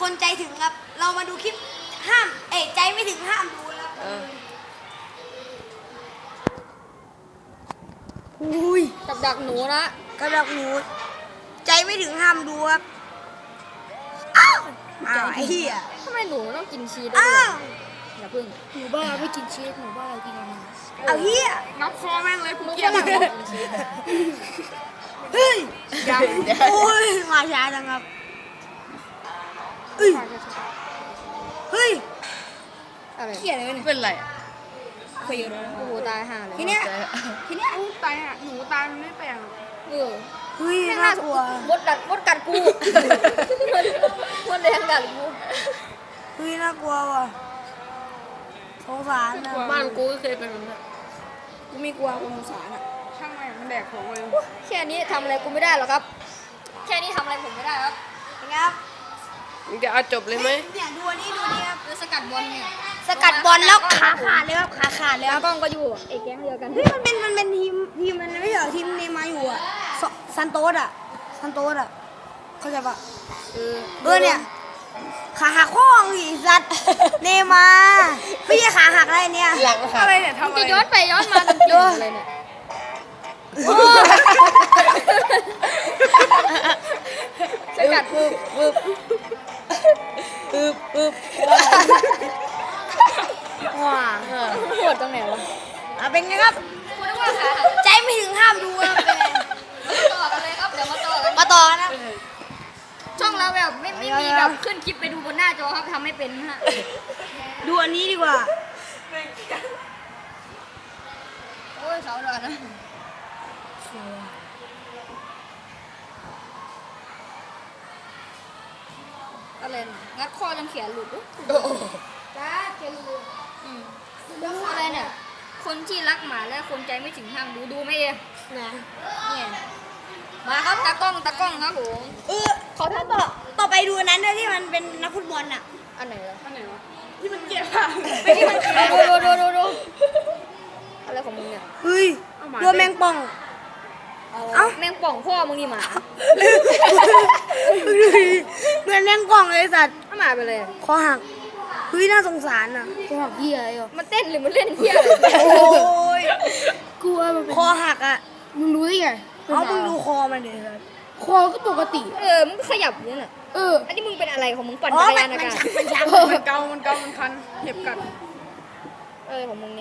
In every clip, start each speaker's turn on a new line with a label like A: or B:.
A: คนใจถึงครับเรามาดูคลิปห้ามใจไม่ถึงห้ามดูครับอุ้ย
B: กับดักหนูนะ
A: กระดักหนูใจไม่ถึงห้ามดูครับอ้าวไอ้เหี้ย
B: ทำไมหนูต้องกินชีสด้วย
A: อ้าว
B: อย่าพึ่ง
C: หนูบ้าไม่กินชีสหนูบ้ากินอะไร
A: เอาเหี้ย
C: งับคอแม่งเลยกู
B: มึง
C: เกลียด
B: ฝรั่งกินชีส
A: เฮ้ยโอ้ยมาช้าจังครับเฮ้ยเฮ้ย
B: อะไร
A: เหี้ยอะไรวะเนี่ย
C: เป็นไร
A: คุยกันแล้ว
B: โอ้โหตายห่าเลย
A: ทีเนี้ย
C: ตายอ่ะหนูตายมันไม่แปลง
B: เออ
A: เฮ้ย
B: ไม่
A: น่า
B: น่าก
A: ลัว
B: มดกัดกูมดแดงกัดกู
A: เฮ้ยน่ากลัวว่ะสงสารนะ
C: บ้านกูก็เคยเป็นแบบนั้น
A: กูไม่กลัวกูสงสารอ่ะ
C: ช่างแม่งมันแดกของเลย
B: แค่นี้ทำอะไรกูไม่ได้หรอกครับ แค่นี้ทำอะไรผมไม่ได้ครับ
A: เป็นไงครับ
C: มึงจะเอาจบเลยไหม
A: เนี่ยดูอันนี้ดูนี่ครับ
B: คือสกัดบอลเนี่ย
A: สกัดบอลแล้วขาขาดเลยครับขาขาดเลยค
B: แล้
A: รั
B: ว
A: บ
B: กล้องก็อยู่ไอ้แก๊งเดียวกัน
A: เฮ้ยมันเป็นทีมมันไม่ใช่เหรอทีมเนย์มาร์อยู่อ่ะซันโตสอ่ะเข้าใจปะเนี่ยขาหักข้ออีสัตว์เนย์มาร์ไม่ใช่ขาหักอะไรเนี่ย
C: หลังอะไรเนี่ย
B: มึง
C: ทำอะไร
B: จะย้อนไปย้อนมาจนจบเลยเนี่ยสกัดปึ๊บ
A: ว้า
B: โหดตรงไหนวะ
A: เป็นไงครับ
B: กูนึกว่าขา
A: ใจไม่ถึงห้ามดูครับเป็นไง
B: ต่อกันเลยครับเดี๋ยวมาต่อกัน
A: มาต่อนะ
B: ช่องเราแบบไม่มีแบบขึ้นคลิปไปดูบนหน้าจอครับทำไม่เป็นนะฮะ
A: ดูอันนี้ดีกว่า
B: โอ้ยเขาดอนะอะไรนะงัดคอจนแขนหลุดจ้าแขนหลุดอะไรเนี่ย คนที่รักหมาและคนใจไม่ถึงห้ามดูไหมเอง
A: นะ
B: เนี่ยมาครับตากล้องครับผม
A: ขอโทษต่อไปดูอันนั้นด้วยที่มันเป็นนักฟุตบอลอ่ะ
B: อันไหนล่ะ
C: อันไหนวะที่มันเกลียดอ่ะ
A: ไม่ที่มันขา
B: ดูอะไรของมึงเนี่ย
A: เฮ้ยโดนแมงป่อง
B: แมงป่องพ่อมึงนี่หมา
A: ดูดิเหมือนแมงป่องเลยสัตว์
B: เอาหมาไปเลย
A: คอหักเฮ้ยน่าสงสารอ่ะ
C: กูหักเหี้ยอ่ะ
B: มันเต้นหรือมันเล่นเที่ยอะไร
A: โอ้ย
C: กลัวมันเป็น
A: คอหักอ่ะ
C: มึงรู้ได้ไง
A: เอามึงดูคอมันดิครับ
C: คอก็ปกติ
B: มึงขยับอย่างนี้น่ะ
C: เออ
B: อันนี้มึงเป็นอะไรของมึงปั่น
A: อ๋อ
B: จักร
A: มัน
B: ยานอากาศ
A: มันชัก
C: มันเกามันคันเจ็บกัด
B: ของมึงเนี่ย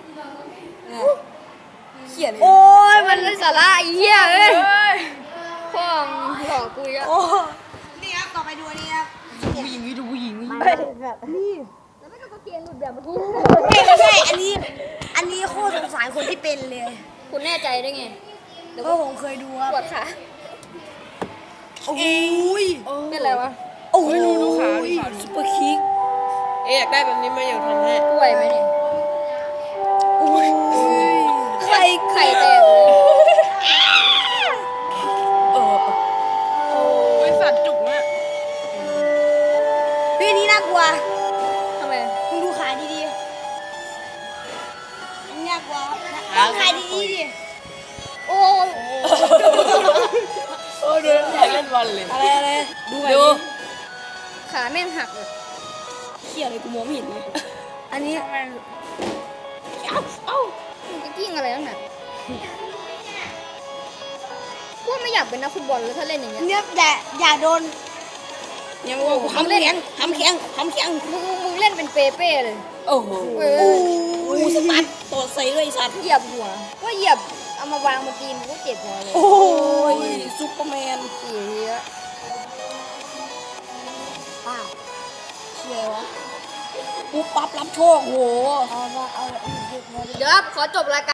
A: เขียนโอ้ย
B: มันไร้สาระไอ้เหี้ยเอ้ยพ่อมึงหลอกกูอีกแล้ว
A: โอ้นี่ครับต่อไปดูอันนี้ครับ
C: ผู้หญิงวิดูผู้หญิง
A: นี่
B: แล้วไม่ต้องกางเกงหลุดแบบเมื่อกี้
A: ไม่ใช่อันนี้โคตรสงสารคนที่เป็นเลย
B: คุณแน่ใจได้ไง
A: เพราะผมเคยดูครับ
B: ปวดขา
A: โอ้ย
B: เป็นอะไรวะ
A: โอ้ย
C: ดูขา
A: ซุปเปอร์คิก
C: อยากได้แบบนี้ไหมอยากทำให้
B: ป่วยไหมเนี่ย
A: โอ้ยไข่
B: ไข่แตกเลย
C: บริษัทจุกเนี่ย
A: พี่นี่น่ากลัว
B: ทำไม
A: มึงดูขาดีๆอันนี้น่ากลัวครับต้องขาดีๆดิ
B: โอ้ย
C: เดินอยากเล่นบอลเลย
A: อะไรดูแบบ
C: ดู
A: นี้
B: ขาแม่งหักเลย
A: เขี่ยอะไรกูมองไม่เห็นเลยอันนี้
B: มึงจะกิ้งอะไรตั้งแต่กูไม่อยากเป็นนักฟุตบอลเลยถ้าเล่นอย่างเงี้ย
A: เนี่ยแต่อย่าโดน
C: ยังว่า
A: ทำแข็งทำแข็งทำแข็ง
B: มึงเล่นเป็นเปเป้เลย
C: โอ้โห
A: โอ้ยสปัดตัวใส่เลยสัตว์
B: เหยียบหัวก็เหยียบเอามาวางบนตีนมันก็เจ็บหัวเลย
A: โอ้ยซุปเปอร์แมน
B: เสีย
A: ป้าเชี่ยวะปุ๊บปั๊บรับโชคโหเอา
B: เดี๋ยวครับขอจบรายการ